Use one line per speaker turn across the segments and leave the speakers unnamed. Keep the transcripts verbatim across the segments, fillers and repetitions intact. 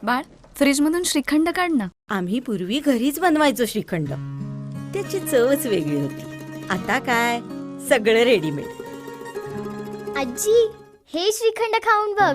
बाळ, फ्रीज मधून श्रीखंड काढ ना.
आम्ही पूर्वी घरीच बनवायचो श्रीखंड. त्याची चवच वेगळी होती. आता काय सगळं रेडीमेड.
आजी, हे श्रीखंड खाऊन बघ.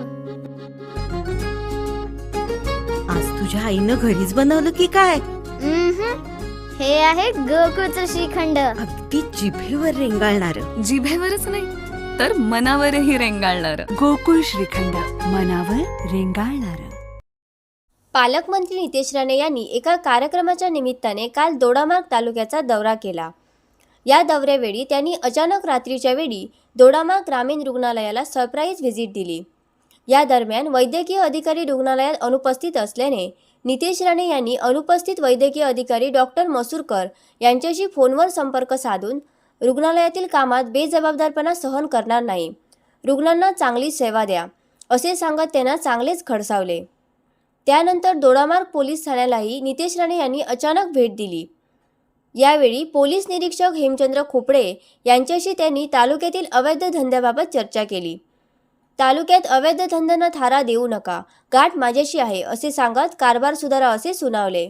आज तुझ्या आईनं घरीच बनवलं की काय?
उम्हम. हे आहे गोकुळचं श्रीखंड.
अगदी जिभेवर रेंगाळणार.
जिभेवरच नाही तर मनावरही रेंगाळणार.
गोकुळ श्रीखंड, मनावर रेंगाळणार.
पालकमंत्री नितेश राणे यांनी एका कार्यक्रमाच्या निमित्ताने काल दोडामार्ग तालुक्याचा दौरा केला. या दौऱ्यावेळी त्यांनी अचानक रात्रीच्या वेळी दोडामार्ग ग्रामीण रुग्णालयाला सरप्राईज व्हिजिट दिली. या दरम्यान वैद्यकीय अधिकारी रुग्णालयात अनुपस्थित असल्याने नितेश राणे यांनी अनुपस्थित वैद्यकीय अधिकारी डॉक्टर मसूरकर यांच्याशी फोनवर संपर्क साधून रुग्णालयातील कामात बेजबाबदारपणा सहन करणार नाही, रुग्णांना चांगली सेवा द्या असे सांगत त्यांना चांगलेच खडसावले. त्यानंतर दोडामार्ग पोलीस ठाण्यालाही नितेश राणे यांनी अचानक भेट दिली. यावेळी पोलीस निरीक्षक हेमचंद्र खोपडे यांच्याशी त्यांनी तालुक्यातील अवैध धंद्याबाबत चर्चा केली. तालुक्यात अवैध धंद्यांना थारा देऊ नका, गाठ माझ्याशी आहे असे सांगत कारभार सुधारा असे सुनावले.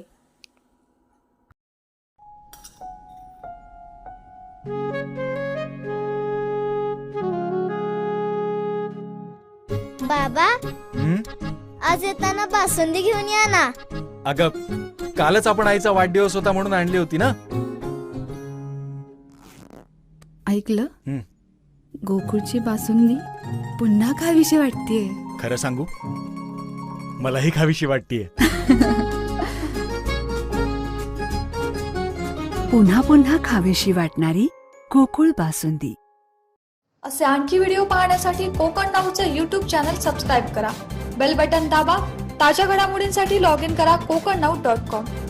बाबा, आज येताना बासुंदी घेऊन या ना.
अगं, कालच आपण आईचा वाढदिवस होता म्हणून आणली होती ना.
ऐकलं?
हं.
गोकुळची बासुंदी पुन्हा खावीशी वाटतेय.
खरं सांगू, मलाही खावीशी वाटतेय.
पुन्हा पुन्हा खावीशी वाटणारी गोकुळ बासुंदी.
असे आणखी व्हिडिओ पाहण्यासाठी कोकण नाऊचं यूट्यूब चॅनल सबस्क्राईब करा. बेल बटन दाबा. ताज्या घडामोडींसाठी लॉग इन करा कोकण नाऊ डॉट कॉम.